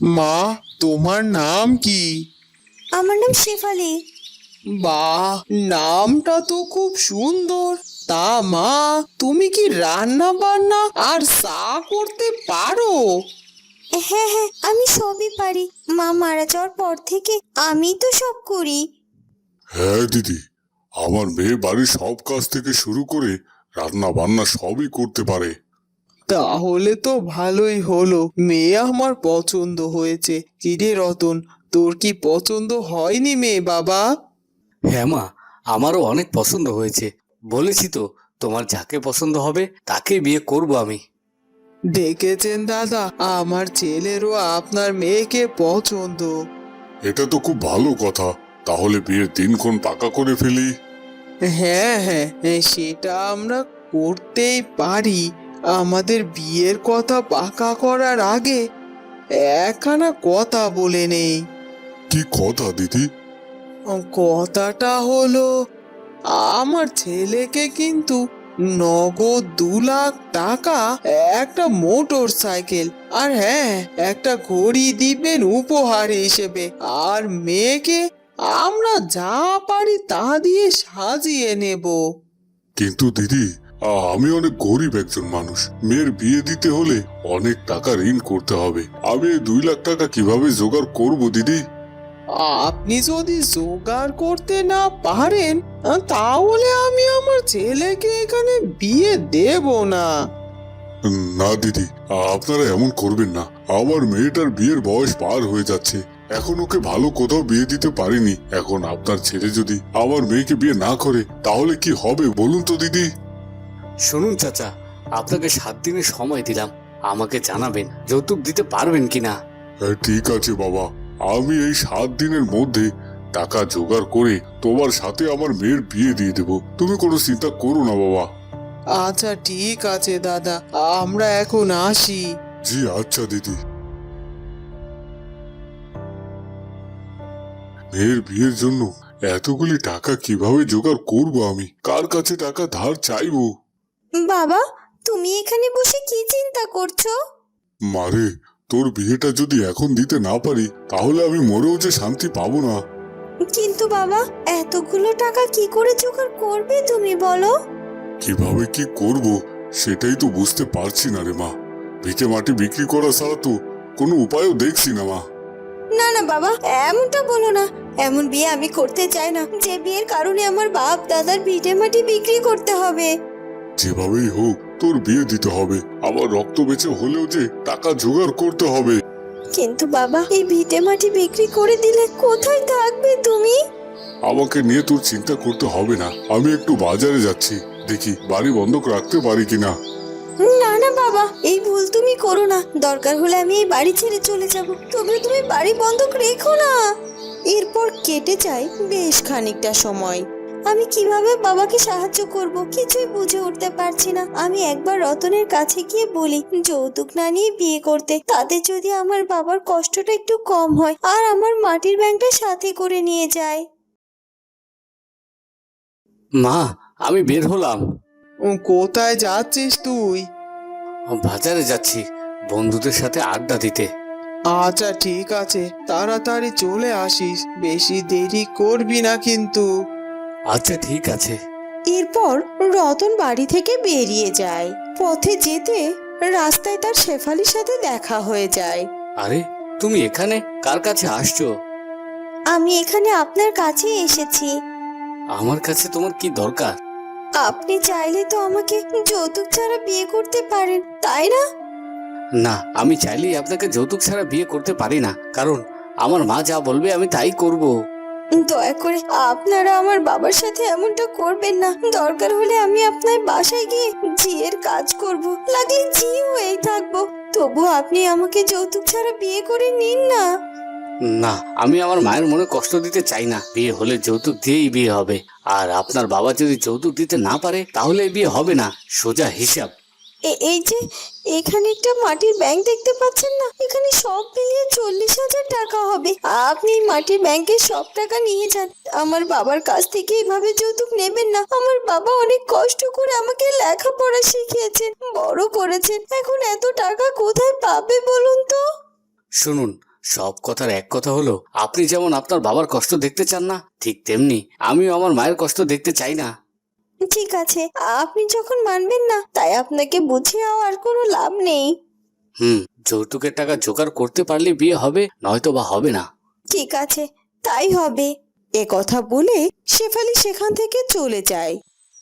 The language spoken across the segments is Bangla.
মা, তোমার নাম কি? আমার নাম শেফালি। বাহ, নামটা তো খুব সুন্দর। তা মা, তুমি কি রান্না বান্না আর চা করতে পারো? হ্যাঁ হ্যাঁ, আমি সবই পারি। মা মারা যাওয়ার পর থেকে আমি তো সব করি। হ্যাঁ দিদি, আমার মেয়ে বাড়ির সব কাজ থেকে শুরু করে রান্না বান্না সবই করতে পারে। তাহলে তো ভালোই হলো, মেয়ে আমার পছন্দ হয়েছে। কিরে রতন, তোর কি পছন্দ হয়নি মেয়ে বাবা? হ্যাঁ মা, আমারও অনেক পছন্দ হয়েছে। বলেছি তো, তোমার যাকে পছন্দ হবে তাকেই বিয়ে করব আমি। দেখেছেন দাদা, আমার ছেলেরও আপনার মেয়েকে পছন্দ। এটা তো খুব ভালো কথা। তাহলে বিয়ের দিনক্ষণ পাকা করে ফেলি। হ্যাঁ হ্যাঁ, সেটা আমরা করতেই পারি। আমাদের বিয়ের কথা পাকা করার আগে একখানা কথা বলে নেই। কি কথা দিদি? কথাটা হলো, আমার ছেলেকে কিন্তু নগদ 2 লাখ টাকা, একটা মোটর সাইকেল আর হ্যাঁ একটা ঘড়ি দিবেন উপহার হিসেবে। আর মেয়েকে আমরা যা পারি তা দিয়ে সাজিয়ে নেব। কিন্তু দিদি, আমি অনেক গরিব একজন মানুষ। মেয়ের বিয়ে দিতে হলে অনেক টাকা ঋণ করতে হবে। আমি এই 2 লাখ টাকা কিভাবে জোগাড় করব দিদি? আপনি যদি জোগাড় করতে না পারেন, তাহলে আমি আমার ছেলেকে এখানে বিয়ে দেব না। না দিদি, আপনারা এমন করবেন না। আমার মেয়েটার বিয়ের বয়স পার হয়ে যাচ্ছে। এখন ওকে ভালো কোথাও বিয়ে দিতে পারিনি। এখন আপনার ছেলে যদি আমার মেয়েকে বিয়ে না করে তাহলে কি হবে বলুন তো দিদি? শুনুন চাচা, আপনাকে 7 দিনের সময় দিলাম। আমাকে জানাবেন যৌতুক দিতে পারবেন কিনা। হ্যাঁ, ঠিক আছে বাবা। আমি এই 7 দিনের মধ্যে টাকা জোগাড় করে তোমার সাথে আমার মেয়ের বিয়ে দিয়ে দেব। তুমি কোনো চিন্তা করো না বাবা। আচ্ছা ঠিক আছে দাদা, আমরা এখন আসি। জি আচ্ছা দিদি। মেয়ের বিয়ের জন্য এতগুলি টাকা কিভাবে জোগাড় করব? আমি কার কাছে টাকা ধার চাইবো? বাবা, তুমি এখানে বসে কি চিন্তা করছো? মারে, তোর বিয়েটা যদি এখন দিতে না পারি তাহলে আমি মরেও যে শান্তি পাবো না। কিন্তু বাবা, এতগুলো টাকা কি করে জোগাড় করবে তুমি বলো? কিভাবে কি করব সেটাই তো বুঝতে পারছি না রে মা। ভিটে মাটি বিক্রি করা ছাড়া তো কোনো উপায়ও দেখছি না মা। না না বাবা, এমনটা বলো না। এমন বিয়ে আমি করতে চাই না যে বিয়ের কারণে আমার বাপ দাদার ভিটে মাটি বিক্রি করতে হবে। যেভাবেই হোক তোর বিয়ে দিতে হবে। আবার রক্ত বেঁচে হলেও যে টাকা জোগাড় করতে হবে। কিন্তু বাবা, এই ভিটে মাটি বিক্রি করে দিলে কোথায় থাকবে তুমি? আমাকে নিয়ে তোর চিন্তা করতে হবে না। আমি একটু বাজারে যাচ্ছি, দেখি বাড়ি বন্ধক রাখতে পারি কিনা। না না বাবা, এই ভুল তুমি করো না। দরকার হলে আমি এই বাড়ি ছেড়ে চলে যাব, তবে তুমি বাড়ি বন্ধক রেখো না। এরপর কেটে যায় বেশ খানিকটা সময়। আমি কিভাবে বাবাকে সাহায্য করব কিছুই বুঝে উঠতে পারছি না। আমি একবার রতনের কাছে গিয়ে বলি যৌতুক না নিয়ে বিয়ে করতে, তাতে যদি আমার বাবার কষ্টটা একটু কম হয় আর আমার মাটির ব্যাংকটা সাথে করে নিয়ে যায়। মা, আমি বের হলাম। কোথায় যাচ্ছিস তুই? বাজারে যাচ্ছি বন্ধুদের সাথে আড্ডা দিতে। আচ্ছা ঠিক আছে, তাড়াতাড়ি চলে আসিস, বেশি দেরি করবি না কিন্তু। আচ্ছা ঠিক আছে। এরপর রতন বাড়ি থেকে বেরিয়ে যায়। পথে যেতে রাস্তায় তার শেফালির সাথে দেখা হয়ে যায়। আরে, তুমি এখানে কার কাছে আসছো? আমি এখানে আপনার কাছে এসেছি। আমার কাছে তোমার কি দরকার? আপনি চাইলে তো আমাকে যৌতুক ছাড়া বিয়ে করতে পারেন, তাই না? না, আমি চাইলেই আপনাকে যৌতুক ছাড়া বিয়ে করতে পারি না, কারণ আমার মা যা বলবে আমি তাই করব। দয়া করে আপনারা আমার বাবার সাথে এমনটা করবেন না। দরকার হলে আমি আপনার বাসায় গিয়ে জিয়ের কাজ করব, লাগলে জি হয়েই থাকবো। তবু আপনি আমাকে যৌতুক ছাড়া বিয়ে করে নিন না। না, আমি আমার মায়ের মনে কষ্ট দিতে চাই না। বিয়ে হলে যৌতুক দিয়েই বিয়ে হবে। আর আপনার বাবা যদি যৌতুক দিতে না পারে তাহলে এই বিয়ে হবে না, সোজা হিসাব। এই যে এখানে একটা মাটির ব্যাংক দেখতে পাচ্ছেন না, এখানে সব মিলিয়ে 40,000 টাকা হবে। আপনি এই মাটির ব্যাংকের সব টাকা নিয়ে যান। আমার বাবার কাছ থেকে এইভাবে যৌতুক নেবেন না। আমার বাবা অনেক কষ্ট করে আমাকে লেখাপড়া শিখিয়েছেন, বড় করেছেন। এখন এত টাকা কোথায় পাবে বলুন তো? শুনুন, সব কথার এক কথা হলো, আপনি যেমন আপনার বাবার কষ্ট দেখতে চান না, ঠিক তেমনি আমিও আমার মায়ের কষ্ট দেখতে চাই না। ঠিক আছে, আপনি যখন মানবেন না, তাই আপনাকে বুঝিয়েও আর কোনো লাভ নেই। যৌতুকের টাকা জোগাড় করতে পারলে বিয়ে হবে, নয়তো বা হবে না। ঠিক আছে, তাই হবে। এ কথা বলে শেফালি সেখান থেকে চলে যায়।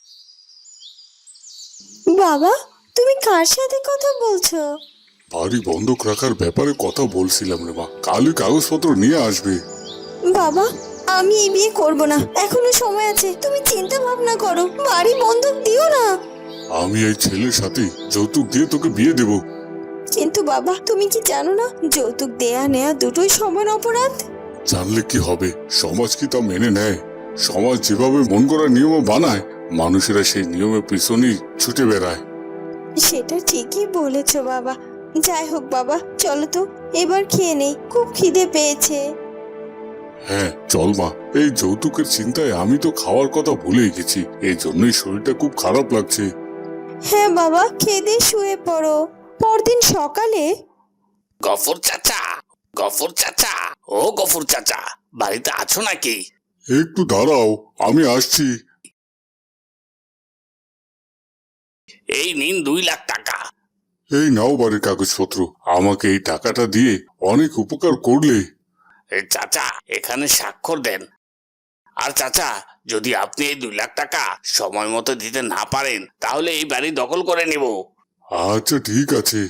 বাবা, তুমি কার সাথে কথা বলছো? বাড়ি বন্ধক রাখার ব্যাপারে কথা বলছিলাম রে মা, কালই কাগজপত্র নিয়ে আসবে। বাবা, আমি এই বিয়ে করব না, এখনো সময় আছে। তুমি চিন্তা ভাবনা করো, বাড়ি বন্ধক দিও না। আমি এই ছেলের সাথে যৌতুক দিয়ে তোকে বিয়ে দেব। কিন্তু বাবা, তুমি কি জানো না, যৌতুক দেয়া নেয়া দুটোই সমান অপরাধ? জানলে কি হবে, সমাজ কি তা মেনে নেয়? সমাজ যেভাবে মন করা নিয়ম বানায়, মানুষেরা সেই নিয়মের পিছনেই ছুটে বেড়ায়। সেটা ঠিকই বলেছো বাবা। যাই হোক বাবা, চলো তো এবার খেয়ে নেই, খুব খিদে পেয়েছে। হ্যাঁ চল মা, এই যৌতুকের চিন্তায় আমি তো খাওয়ার কথা ভুলেই গেছি, এই জন্যই শরীরটা খুব খারাপ লাগছে। হ্যাঁ বাবা, খেয়ে দিয়ে শুয়ে পড়ো। পরদিন সকালে গফুর চাচা, গফুর চাচা, ও গফুর চাচা, বাড়িতে আছো নাকি? একটু দাঁড়াও, আমি আসছি। এই নিন 2 লাখ টাকা। এই নাও বাড়ির কাগজপত্র, আমাকে এই টাকাটা দিয়ে অনেক উপকার করলে। চাচা, এখানে স্বাক্ষর দেন। আর চাচা, যদি আপনি এই 2 লাখ টাকা সময় মতো দিতে না পারেন, তাহলে এই বাড়ি দখল করে নেব। আচ্ছা ঠিক আছে।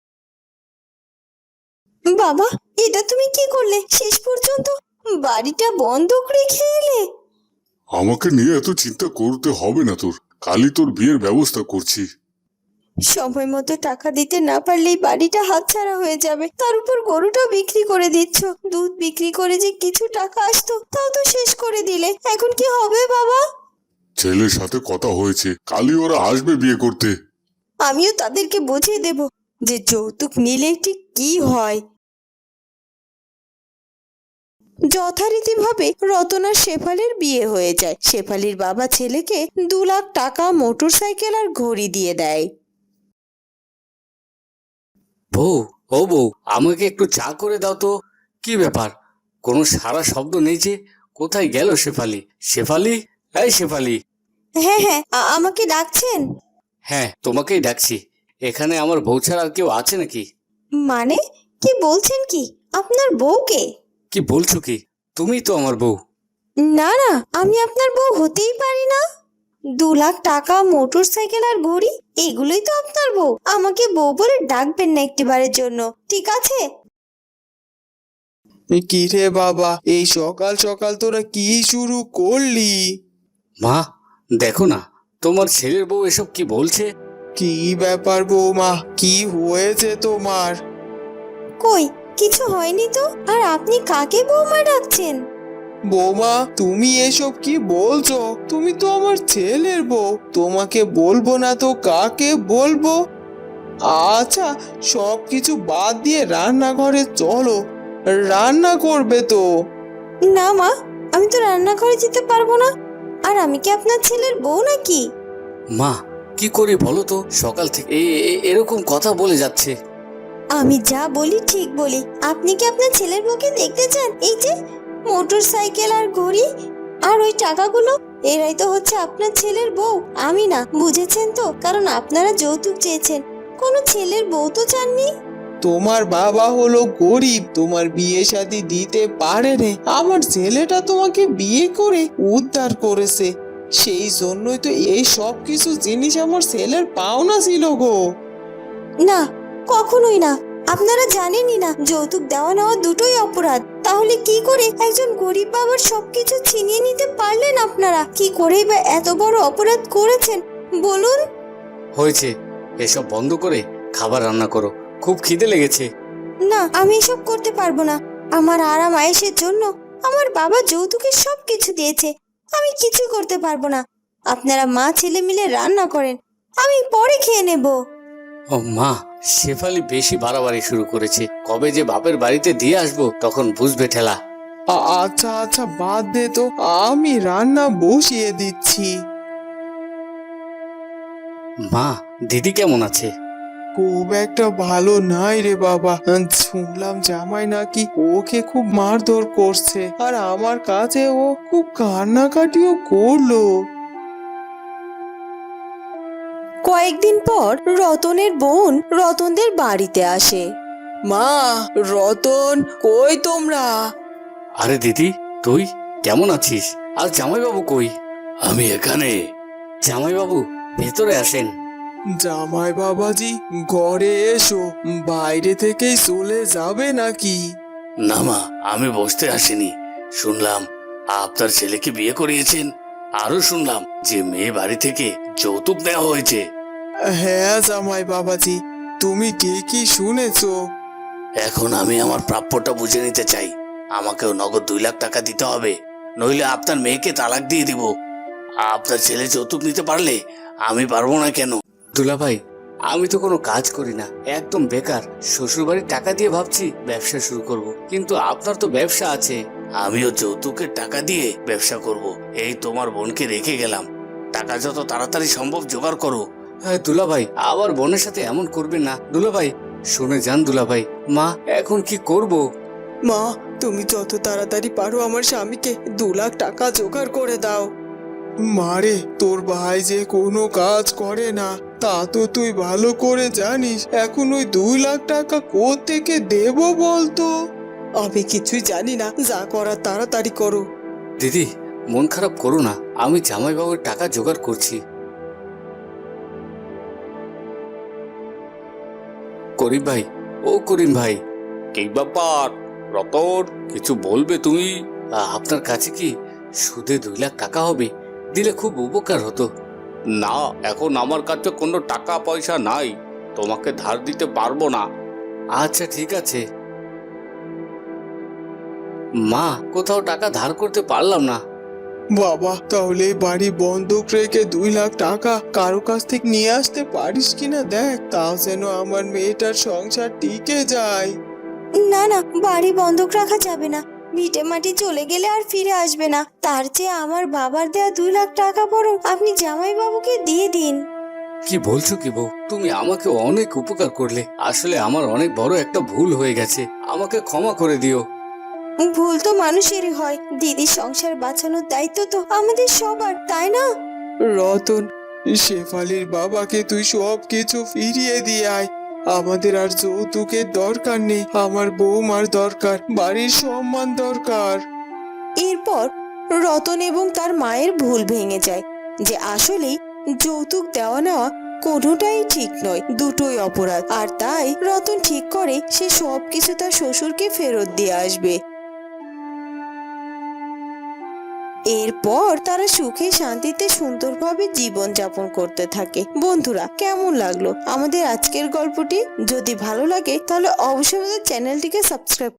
বাবা, এটা তুমি কি করলে? শেষ পর্যন্ত বাড়িটা বন্ধক রেখে এলে। আমাকে নিয়ে এত চিন্তা করতে হবে না তোর, কালই তোর বিয়ের ব্যবস্থা করছি। সময় মতো টাকা দিতে না পারলেই বাড়িটা হাতছাড়া হয়ে যাবে। তার উপর গরুটাও বিক্রি করে দিচ্ছ। দুধ বিক্রি করে যে কিছু টাকা আসতো, তাও তো শেষ করে দিলে। এখন কি হবে বাবা? ছেলের সাথে কথা হয়েছে, কালই ওরা আসবে বিয়ে করতে। আমিও তাদেরকে বুঝিয়ে দেব যে যৌতুক নিলে ঠিক কি হয়। যথারীতিভাবে রতন আর শেফালির বিয়ে হয়ে যায়। শেফালির বাবা ছেলেকে 2 লাখ টাকা, মোটরসাইকেল আর ঘড়ি দিয়ে দেয়। বউ, ও বউ, আমাকে একটু চা করে দাও তো। কি ব্যাপার, কোনো সারা শব্দ নেই যে? কোথায় গেল শেফালি? শেফালি, এই শেফালি। হ্যাঁ হ্যাঁ, আমাকে ডাকছেন? হ্যাঁ, তোমাকেই ডাকছি। এখানে আমার বউ ছাড়া আর কেউ আছে নাকি? মানে কি বলছেন? কি আপনার বউকে? কি বলছো কি? তুমি তো আমার বউ। না না, আমি আপনার বউ হতেই পারি না। 2 লাখ টাকা, মোটরসাইকেল আর ঘড়ি, এগুলোই তো আপনার বউ। আমাকে বউ বলে ডাকবেন না একটিবারের জন্য, ঠিক আছে? কি রে বাবা, এই সকাল সকাল তোরা কি শুরু করলি? মা, দেখো না, তোমার ছেলের বউ এসব কি বলছে। কি ব্যাপার বৌমা, কি হয়েছে তোমার? কই, কিছু হয়নি তো। আর আপনি কাকে বৌমা ডাকছেন? বৌমা, তুমি এসব কি বলছো? তুমি তো আমার ছেলের বউ, তোমাকে বলবো না তো কাকে বলবো? আচ্ছা, সব কিছু বাদ দিয়ে রান্নাঘরে চলো, রান্না করবে তো। না মা, আমি তো রান্নাঘরে যেতে পারবো না। আর আমি কি আপনার ছেলের বউ নাকি? মা, কি করি বলো তো? সকাল থেকে এরকম কথা বলে যাচ্ছে। আমি যা বলি ঠিক বলি। আপনি কি আপনার ছেলের বউকে দেখতে চান? এই যে মোটরসাইকেল আর ঘড়ি আর ওই টাকাগুলো, এরাই তো হচ্ছে আপনার ছেলের বউ, আমি না। বুঝেছেন তো? কারণ আপনারা যৌতুক চেয়েছেন, কোনো ছেলের বউ তো চাননি। তোমার বাবা হলো গরিব, তোমার বিয়ে শাদী দিতে পারেনি। আমার ছেলেটা তোমাকে বিয়ে করে উদ্ধার করেছে, সেই জন্যই তো এই সব কিছু জিনিস আমার ছেলের পাওনা ছিল গো। না, কখনোই না। আপনারা জানেনই না যৌতুক দেওয়া নেওয়া দুটোই অপরাধ। তাহলে কি করে একজন গরিব বাবার সবকিছু ছিনিয়ে নিতে পারলেন আপনারা? কি করেই বা এত বড় অপরাধ করেছেন বলুন? হয়েছে, এসব বন্ধ করে খাবার রান্না করো, খুব খিদে লেগেছে। না, আমি এসব করতে পারবো না। আমার আরাম আয়েশের জন্য আমার বাবা যৌতুকের সবকিছু দিয়েছে, আমি কিছু করতে পারবো না। আপনারা মা ছেলে মিলে রান্না করেন, আমি পরে খেয়ে নেব। ও মা, শেফালি বেশি বাড়াবাড়ি শুরু করেছে। কবে যে বাপের বাড়িতে দিয়ে আসবো, তখন বুঝবে ঠেলা। আচ্ছা আচ্ছা, বাদ দে তো, আমি রান্না বসিয়ে দিচ্ছি। মা, দিদি কেমন আছে? খুব একটা ভালো নাই রে বাবা। শুনলাম জামাই নাকি ওকে খুব মারধর করছে, আর আমার কাছে ও খুব কান্নাকাটিও করলো। কয়েকদিন পর রতনের বোন রতনদের বাড়িতে আসে। মা, রতন কই তোমরা? আরে দিদি, তুই কেমন আছিস? আর জামাইবাবু কই? আমি এখানে। জামাইবাবু ভেতরে আসেন। জামাই বাবাজি, ঘরে এসো। বাইরে থেকেই চলে যাবে নাকি? না মা, আমি বসতে আসিনি। শুনলাম আপনার ছেলেকে বিয়ে করিয়েছেন, আরো শুনলাম যে মেয়ে বাড়ি থেকে যৌতুক দেওয়া হয়েছে। হ্যাঁ জামাই বাবাজি, তুমি ঠিকই শুনেছো। এখন আমি আমার প্রাপ্যটা বুঝে নিতে চাই। আমাকেও নগদ 2 লাখ টাকা দিতে হবে, নইলে আপনার মেয়েকে তালাক দিয়ে দিব। আপনার ছেলে যৌতুক নিতে পারলে আমি পারবো না কেন? দুলাভাই, আমি তো কোনো কাজ করি না, একদম বেকার। শ্বশুরবাড়ির টাকা দিয়ে ভাবছি ব্যবসা শুরু করব, কিন্তু আপনার তো ব্যবসা আছে। আমিও যৌতুকের টাকা দিয়ে ব্যবসা করব। এই তোমার বোনকে রেখে গেলাম, টাকা যত তাড়াতাড়ি সম্ভব জোগাড় করো। হ্যাঁ দুলাভাই, আবার বোনের সাথে এমন করবেন না। দুলাভাই শুনে যান দুলাভাই, মা এখন কি করব? মা, তুমি যত তাড়াতাড়ি পারো আমার স্বামীকে 2 লাখ টাকা জোগাড় করে দাও। মারে, তোর ভাই যে কোনো কাজ করে না তা তো তুই ভালো করে জানিস। এখন ওই 2 লাখ টাকা কোত্থেকে দেব বলতো? আমি কিছুই জানি না, যা করার তাড়াতাড়ি করো। দিদি মন খারাপ করো না, আমি জামাইবাবুর টাকা জোগাড় করছি। করিম ভাই, ও করিম ভাই, কি ব্যাপার রতন, কিছু বলবে তুমি? আপনার কাছে কি সুদে 2 লাখ টাকা হবে? দিলে খুব উপকার হতো। না, এখন আমার কাছে কোনো টাকা পয়সা নাই, তোমাকে ধার দিতে পারবো না। আচ্ছা ঠিক আছে। মা, কোথাও টাকা ধার করতে পারলাম না। বাবা, তাহলে এই বাড়ি বন্ধক রেখে 2 লাখ টাকা কারো কাছ থেকে নিয়ে আসতে পারিস কিনা দেখ, তাও যেন আমার মেয়েটার সংসার টিকে যায়। না না, বাড়ি বন্ধক রাখা যাবে না। ভিটে মাটি চলে গেলে আর ফিরে আসবে না। তার চেয়ে আমার বাবার দেয়া 2 লাখ টাকা বরং আপনি জামাইবাবুকে দিয়ে দিন। কি বলছো কি বউ, তুমি আমাকে অনেক উপকার করলে। আসলে আমার অনেক বড় একটা ভুল হয়ে গেছে, আমাকে ক্ষমা করে দিও। ভুল তো মানুষেরই হয়। দিদির সংসার বাঁচানোর দায়িত্ব তো আমাদের সবার, তাই না? রতন, শেফালির বাবাকে তুই সব কিছু ফিরিয়ে দিয়ে আয়। আমাদের আর যৌতুকের দরকার নেই। আমার বৌমার দরকার, বাড়ির সম্মান দরকার। এরপর রতন এবং তার মায়ের ভুল ভেঙে যায় যে আসলেই যৌতুক দেওয়া নেওয়া কোনোটাই ঠিক নয়, দুটোই অপরাধ। আর তাই রতন ঠিক করে সে সবকিছু তার শ্বশুরকে ফেরত দিয়ে আসবে। এরপর তারা সুখে শান্তিতে সুন্দরভাবে জীবন যাপন করতে থাকে। বন্ধুরা, কেমন লাগলো আমাদের আজকের গল্পটি? যদি ভালো লাগে তাহলে অবশ্যই আমাদের চ্যানেলটিকে সাবস্ক্রাইব